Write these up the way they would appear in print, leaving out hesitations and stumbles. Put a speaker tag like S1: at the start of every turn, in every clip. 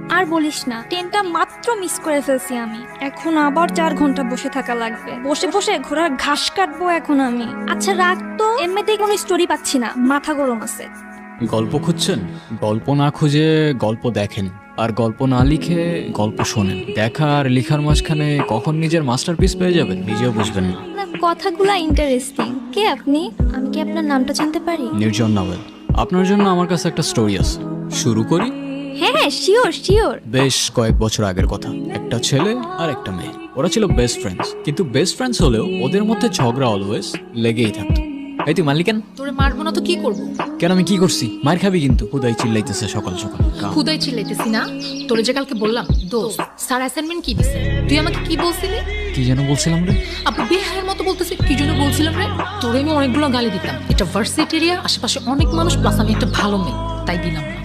S1: আর বলিস না, ট্রেনটা মাত্র মিস করে ফেলছি আমি। এখন আবার 4 ঘন্টা বসে থাকা লাগবে। বসে বসে ঘোড়ার ঘাস কাটবো এখন আমি। আচ্ছা রাগ তো, এমনিতেই কোনো স্টোরি পাচ্ছি না, মাথা গরম আছে।
S2: গল্প খুঁজছেন? গল্প না খুঁজে গল্প দেখেন, আর গল্প না লিখে গল্প শোনেন। দেখা আর লিখার মাঝখানে কখন নিজের মাস্টারপিস পেয়ে যাবেন নিজেও বুঝবেন না।
S1: আপনার কথাগুলা ইন্টারেস্টিং। কে আপনি? আমি কি আপনার নামটা জানতে পারি?
S2: নির্জন নাওয়েল। আপনার জন্য আমার কাছে একটা স্টোরি আছে, শুরু করি?
S1: হ্যাঁ হ্যাঁ, শিওর শিওর।
S2: বেশ কয়েক বছর আগের কথা। একটা ছেলে আর একটা মেয়ে, ওরা ছিল বেস্ট ফ্রেন্ডস। কিন্তু বেস্ট ফ্রেন্ডস হলেও ওদের মধ্যে ঝগড়া অলওয়েজ লেগেই থাকতো। এই তুই মারলি কেন?
S3: তোরে মারবো না তো কি করবো?
S2: কেন, আমি কি করছি? মার খাবি কিন্তু। হুদাই চিল্লাইতেছে সকাল সকাল।
S3: খুদাই চিল্লাইতেছি না। তোরে যে কালকে বললাম দোস্ত স্যার অ্যাসাইনমেন্ট কি দিছে, তুই আমাকে কি বলছিলি?
S2: কি যেন বলছিলাম রে?
S3: আপু বেহায়ের মতো বলতেছে কি জন্য বলছিলাম রে? তোরে আমি অনেকগুলো গালি দিতাম। এটা ভার্সিটি এরিয়া, আশেপাশে অনেক মানুষ, প্লাস আমি একটা ভালো মেয়ে, তাই দিলাম না।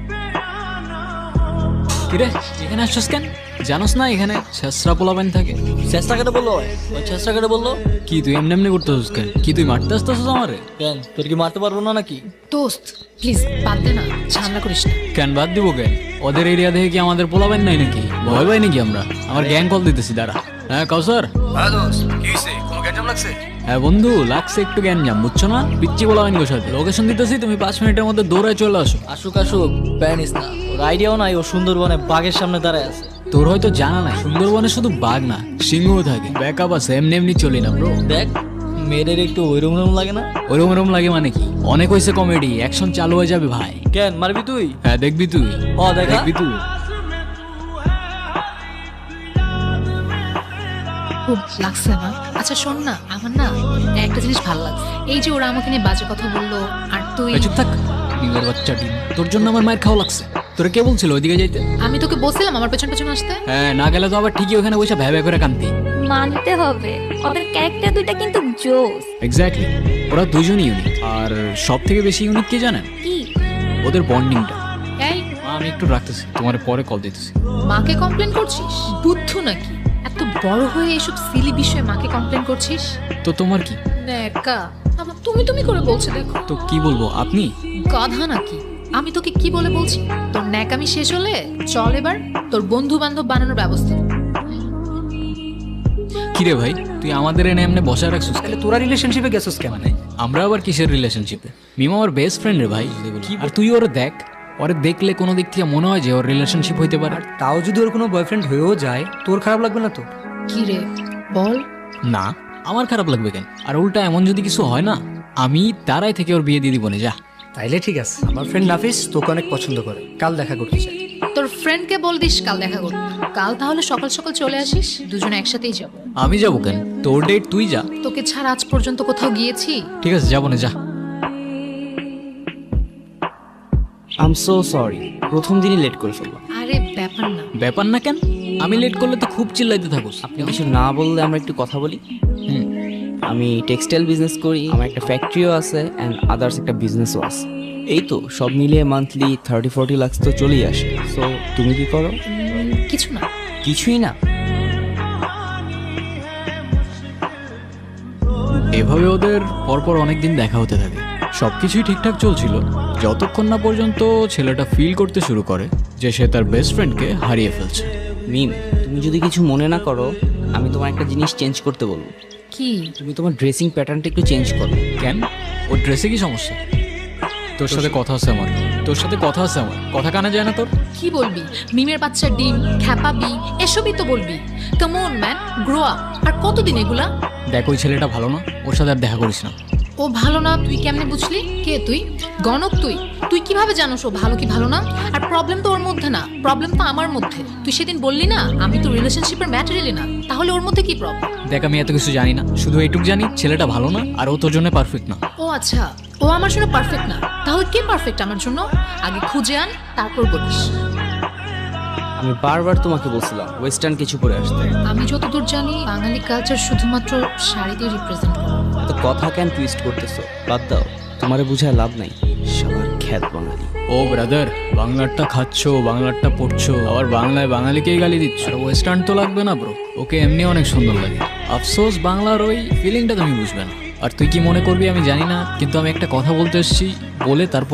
S2: কিরে এখানে আসছিস কেন? জানোস না এখানে ছেসরা পোলাবেন থাকে?
S4: চেষ্টা কেটে বললো, ওই চেষ্টা কেটে বললো।
S2: কি তুই এমনি এমনি করতেছিস কেন? কি তুই মারতে আসতেছিস আমারে?
S4: কেন, তোর কি মারতে পারবো না নাকি?
S3: দোস্ত প্লিজ বাদ দে না, ঝামেলা করিস না।
S2: কেন বাদ দিব কেন? ওদের এরিয়া দেখে কি আমাদের পোলাবেন নাই নাকি? ভয় পাই নাকি আমরা? আমার গ্যাং কল দিতেছি দাঁড়া। হ্যাঁ কাউসার। হ্যাঁ বন্ধু, লাগছে একটু জ্ঞান বুঝছো না? পিচ্ছি পোলাবেন গো সাথে লোকেশন দিতেছি, তুমি 5 মিনিটের মধ্যে দৌড়ায় চলে আসো।
S4: আসুক আসুক, প্যানিস না। ওর আইডিয়াও নাই ও সুন্দরবনে বাঘের সামনে দাঁড়ায় আছে।
S2: তোর হয়তো জানা নাই, সুন্দরবনে শুধু বাঘ না সিংহও থাকে। ব্যাকআপ আছে, এমনি এমনি চলি না ব্রো।
S4: দেখ মেয়েদের একটু ওইরকম লাগে না?
S2: ওরম ওরম লাগে মানে কি? অনেক হয়েছে কমেডি, অ্যাকশন চালু হয়ে যাবে ভাই।
S4: কেন মারবি তুই?
S2: হ্যাঁ দেখবি তুই।
S4: দেখা।
S2: দেখবি তুই।
S3: খুব লাগছে না? আচ্ছা শোন না, আমার না একটা জিনিস ভালো লাগছে। এই যে ওরা আমাকে নিয়ে বাজে কথা বললো, আর তুই।
S2: চুপ থাক ডিমের বাচ্চা ডিম। তোর জন্য আমার মায়ের খাওয়া লাগছে। তোরা কে বলছিল ওইদিকে যাইতে?
S3: আমি তোকে বলছিলাম আমার পেছন পেছন আসতে।
S2: হ্যাঁ, না গেলে তো আবার ঠিকই ওখানে বসে ভ্যা ভ্যা করে কান্তি।
S1: মানতে হবে, ওদের ক্যারেক্টার দুইটা কিন্তু জোস।
S2: এক্স্যাক্টলি, ওরা দুজনই ইউনিক। আর সব থেকে বেশি ইউনিক কে জানেন?
S1: কি?
S2: ওদের বন্ডিংটা।
S3: এই
S2: আমি একটু রাখতেছি, তোমার পরে কল দিতেছি।
S3: মাকে কমপ্লেন করছিস? বুদ্ধ নাকি? এত বড় হয়ে এসব সিলি বিষয়ে মাকে কমপ্লেন করছিস?
S2: তো তোমার কি?
S3: নেকা আবার তুমি তুমি করে বলছে দেখো।
S2: তো কি বলবো, আপনি?
S3: গাধা নাকি? আমি তোকে কি বলে বলছি? তোর ন্যাকামি শেষ হলে চল এবার তোর বন্ধু বান্ধব বানানোর ব্যবস্থা।
S2: কিরে ভাই, তুই আমাদের এনে এমনি বসায় রাখছিস?
S5: তাহলে তোরা রিলেশনশিপে গেছিস কেন?
S2: আমরা আবার কিসের রিলেশনশিপে? মিমা আমার বেস্ট ফ্রেন্ড রে ভাই। আর তুই ওরে দেখ, ওরে দেখলে কোনো দিক থেকে মনে হয় যে ওর রিলেশনশিপ হইতে পারে।
S5: আর তাও যদি ওর কোনো বয়ফ্রেন্ড হয়েও যায়, তোর খারাপ লাগবে না তো?
S3: কি রে বল।
S2: না, আমার খারাপ লাগবে কেন? আর উল্টা এমন যদি কিছু হয় না, আমি তারাই থেকে ওর বিয়ে দিয়ে দিব না। যা।
S5: তাইলে ঠিক আছে। আমার ফ্রেন্ড নাফিস তোকে অনেক পছন্দ করে, কাল দেখা করতে চাই।
S3: তোর ফ্রেন্ডকে বল দিস কাল দেখা করতে। কাল তাহলে সকাল সকাল চলে আসিস, দুজনে একসাথেই যাব।
S2: আমি যাবো কেন? তোর ডেট তুই যা।
S3: তোকে ছাড়া আজ পর্যন্ত কোথাও গিয়েছি?
S2: ঠিক আছে, যাবো না, যা।
S4: আই এম সো সরি, প্রথম দিনই লেট করে ফেললাম।
S3: আরে ব্যাপার না।
S2: ব্যাপার না কেন? আমি লেট করলে তো খুব চিল্লাইতে থাকোস।
S4: আপনি কিছু না বললে আমরা একটু কথা বলি। আমি টেক্সটাইল বিজনেস করি, আমার একটা ফ্যাক্টরিও আছে অ্যান্ড আদার্স একটা বিজনেসও আছে। এই তো সব মিলিয়ে মান্থলি 30-40 লাখ তো চলেই আসে। সো তুমি কি করো?
S3: কিছু না।
S4: কিছুই না?
S2: এভাবে ওদের পরপর অনেকদিন দেখা হতে থাকে। সবকিছুই ঠিকঠাক চলছিল যতক্ষণ না পর্যন্ত ছেলেটা ফিল করতে শুরু করে যে সে তার বেস্ট ফ্রেন্ডকে হারিয়ে ফেলছে।
S4: মিম, তুমি যদি কিছু মনে না করো, আমি তোমার একটা জিনিস চেঞ্জ করতে বলবো।
S3: কি?
S4: তুমি তোমার ড্রেসিং প্যাটার্নটা একটু চেঞ্জ করো।
S2: কেন? ওর ড্রেসে কি সমস্যা? তোর সাথে কথা আছে আমার। কথা কানে যায় না তোর?
S3: কি বলবি? মিমের বাচ্চা ডিম, খ্যাপাবি, এসবই তো বলবি। Come on man, grow up. আর কতদিন এগুলা?
S2: দেখ, ওই ছেলেটা ভালো না, ওর সাথে আর দেখা করিস না।
S3: ও ভালো না তুই কেমনে বুঝলি? কে তুই? গণক তুই? তুই কিভাবে জানোস ও ভালো কি ভালো না? আর প্রবলেম তো ওর মধ্যে না, প্রবলেম তো আমার মধ্যে। তুই সেদিন বললি না আমি তো রিলেশনশিপের ম্যাটেরিয়ালি না, তাহলে ওর মধ্যে কি প্রবলেম?
S2: দেখ, আমি এত কিছু জানি না, শুধু এইটুকু জানি ছেলেটা ভালো না আর ও তোর জন্য পারফেক্ট না।
S3: ও আচ্ছা, ও আমার জন্য পারফেক্ট না, তাহলে কে পারফেক্ট আমার জন্য? আগে খুঁজে আন, তারপর বলিস।
S4: আমি বারবার তোমাকে বলছিলাম ওয়েস্টার্ন কিছু পরে আসতে।
S3: আমি যতদূর জানি বাঙালি কালচার শুধুমাত্র শাড়ি দিয়ে রিপ্রেজেন্ট করে।
S4: এত কথা কেন টুইস্ট করতেছো? বাদ দাও, তোমারে বুঝায় লাভ নাই। সবার খ্যাত বাঙালি।
S2: ও ব্রাদার, বাংলারটা খাচ্ছো, বাংলারটা পড়ছো, আবার বাংলায় বাঙালিকেই গালি দিচ্ছ। আর ওয়েস্টার্ন তো লাগবে না ব্রো, ওকে এমনি অনেক সুন্দর লাগে। আফসোস বাংলার ওই ফিলিংটা তুমি বুঝবে না। আর তুই কি মনে করবি আমি জানি না, কিন্তু আমি একটা কথা বলতে এসেছি, বলে তারপরেই যাবো।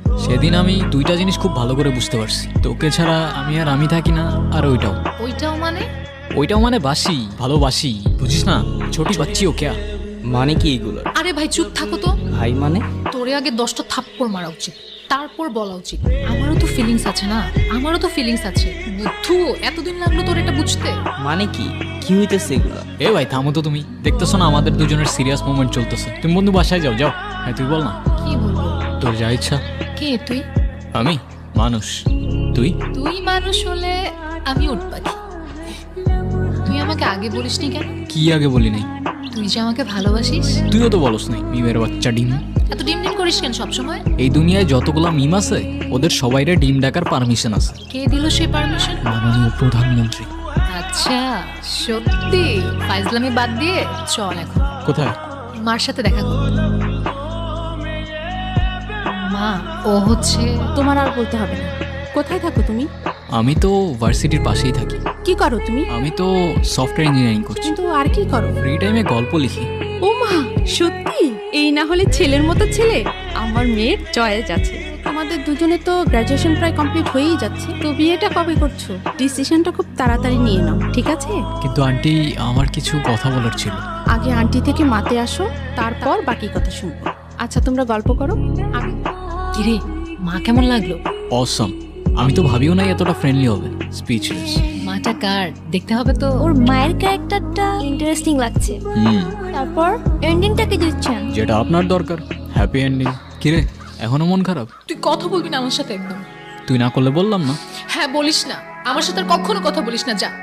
S2: সেদিন আমি দুইটা জিনিস খুব ভালো করে বুঝতে পারছি, তোকে ছাড়া আমি থাকি না, আর
S3: ওইটাও মানে?
S2: ওইটাও মানে বাসি, ভালোবাসি, বুঝিস না? ছোটি বাচ্চি ও ক্যা?
S4: মানে কি এগুলো?
S3: আরে ভাই চুপ থাকো তো।
S4: ভাই মানে?
S3: তোরে আগে 10টা থাপ্পড় মারা উচিত, তারপর বলা উচিত। আমারও তো ফিলিংস আছে না, আমারও তো ফিলিংস আছে। বুদ্ধু, এতদিন লাগলো তোর এটা বুঝতে?
S4: মানে কি কি হইতেছে এগুলো?
S2: এ ভাই থামো তো, তুমি দেখতেছো না আমাদের দুজনের সিরিয়াস মোমেন্ট চলতেছে? তুমি বন্ধু বাসায় যাও যাও। হ্যাঁ তুই বল না,
S3: কি বলবো?
S2: তোর যা ইচ্ছা।
S3: কে তুই?
S2: আমি মানুষ, তুই?
S3: তুই মানুষ হলে আমি উট পাখি। তুই আমাকে আগে বলিসনি কেন?
S2: কি আগে বলি নাই?
S3: তুই যে আমাকে ভালোবাসিস।
S2: তুইও তো বলস নাই, মিমের বাচ্চা ডিম।
S3: এত ডিম ডিম করিস কেন সবসময়?
S2: এই দুনিয়ায় যতগুলা মিম আছে ওদের সবাইরে ডিম ডাকার পারমিশন আছে
S3: কে দিল সেই পারমিশন?
S2: মাননীয় প্রধানমন্ত্রী।
S3: আচ্ছা, সত্যি? ফাইজলামি বাদ দিয়ে চল এখন
S2: কোথায়?
S3: মার সাথে দেখা কর। মা, ও হচ্ছে
S6: তোমার আর বলতে হবে না। কোথায় থাকো তুমি?
S2: আমি তো ভার্সিটির পাশেই থাকি।
S6: কি করো তুমি?
S2: আমি তো সফটওয়্যার ইঞ্জিনিয়ারিং করছি।
S6: কিন্তু আর কি করো?
S2: ফ্রি টাইমে গল্প লিখি।
S6: ও মা, সত্যি? এই না হলে ছেলের মতো ছেলে। আমার মেয়ের চয়েস আছে। আমাদের দুজনে তো গ্র্যাজুয়েশন প্রায় কমপ্লিট হয়েই যাচ্ছে, তো বিয়েটা কবে করছো? ডিসিশনটা খুব তাড়াতাড়ি নিয়ে নাও, ঠিক আছে?
S2: কিন্তু আন্টি, আমার কিছু কথা বলার ছিল।
S6: আগে আন্টি থেকে মাতে আসো, তারপর বাকি কথা শুনবো। আচ্ছা তোমরা গল্প করো। আমি
S3: কিরে, মা কেমন লাগলো?
S2: অসম। আমি তো ভাবিও নাই এতটা ফ্রেন্ডলি হবে। স্পিচলেস।
S3: মাটা কার দেখতে হবে তো।
S1: ওর মায়ের ক্যারেক্টারটা ইন্টারেস্টিং লাগছে। তারপর এন্ডিংটা কি দিচ্ছেন?
S2: যেটা আপনার দরকার, হ্যাপি এন্ডিং। কিরে, এখনো মন খারাপ?
S3: তুই কথা বলবি না আমার সাথে একদম।
S2: তুই না করলে বললাম না।
S3: হ্যাঁ বলিস না, আমার সাথে আর কখনো কথা বলিস না, যা।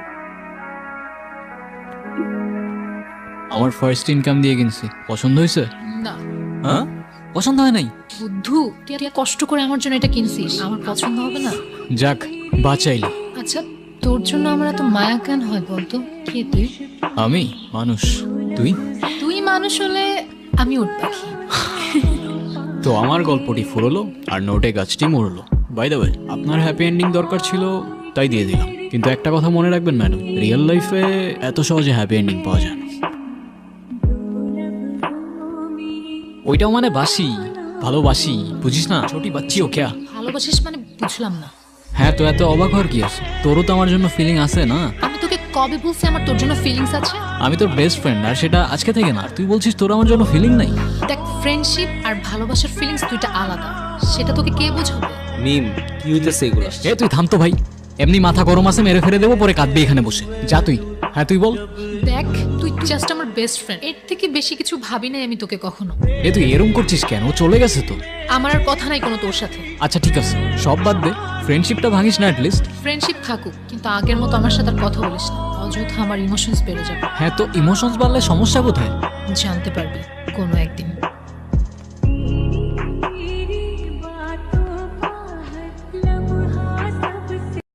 S2: আমার ফার্স্ট ইনকাম দিয়ে কিনছি, পছন্দ হয়েছে?
S3: না।
S2: হ্যাঁ, পছন্দ হয় নাই?
S3: বুদ্ধু, তুই এত কষ্ট করে আমার জন্য এটা কিনছিস, আমার পছন্দ হবে না?
S2: যাক, বাঁচাইলি।
S3: আচ্ছা, তোর জন্য আমার এত মায়া কেন হয় বলতো? কে তুই?
S2: আমি মানুষ, তুই?
S3: তুই মানুষ হলে আমি উট পাখি।
S2: তো আমার গল্পটি ফুরলো আর নোটে গাছটি মরলো। বাই দ্য ওয়ে, আপনার হ্যাপি এন্ডিং দরকার ছিল তাই দিয়ে দিলাম। কিন্তু একটা কথা মনে রাখবেন ম্যাডাম, রিয়েল লাইফে এত সহজে হ্যাপি এন্ডিং পাওয়া যায় না। ওইটাও মানে বাসি, ভালোবাসি, বুঝিস না? ছোটি বাচ্চি ও ক্যা?
S3: ভালোবাসিস মানে বুঝলাম না।
S2: হ্যাঁ, তো এত অবাক হওয়ার কি আছে? তোরও তো আমার জন্য ফিলিং আছে না?
S3: আমি তোকে কবে বলছি আমার তোর জন্য ফিলিংস আছে?
S2: আমি তোর বেস্ট ফ্রেন্ড, আর সেটা আজকে থেকে না। তুই বলছিস তোর আমার জন্য ফিলিং নাই?
S3: দেখ, ফ্রেন্ডশিপ আর ভালোবাসার ফিলিংস দুইটা আলাদা, সেটা তোকে কে বোঝাবে?
S4: মিম, কি হইতেছে এগুলো?
S2: এ তুই থাম তো ভাই, এমনি মাথা গরম আছে, মেরে ফেলে দেবো, পরে কাঁদবি এখানে বসে। যা তুই। হ্যাঁ তুই বল।
S3: দেখ, তুই জাস্ট আমার বেস্ট ফ্রেন্ড, এর থেকে বেশি কিছু ভাবি নাই আমি তোকে কখনো।
S2: এ তুই এরম করছিস কেন? ও চলে গেছে তো।
S3: আমার আর কথা নাই কোনো তোর সাথে।
S2: আচ্ছা ঠিক আছে, সব বাদ দে, ফ্রেন্ডশিপটা ভাঙিস না অ্যাটলিস্ট।
S3: ফ্রেন্ডশিপ থাকুক, কিন্তু আগের মতো আমার সাথে আর কথা বলিস না, অযথা আমার ইমোশনস বেড়ে যাবে।
S2: হ্যাঁ, তো ইমোশনস বাড়লে সমস্যা কোথায়?
S3: জানতে পারবি কোনো একদিন।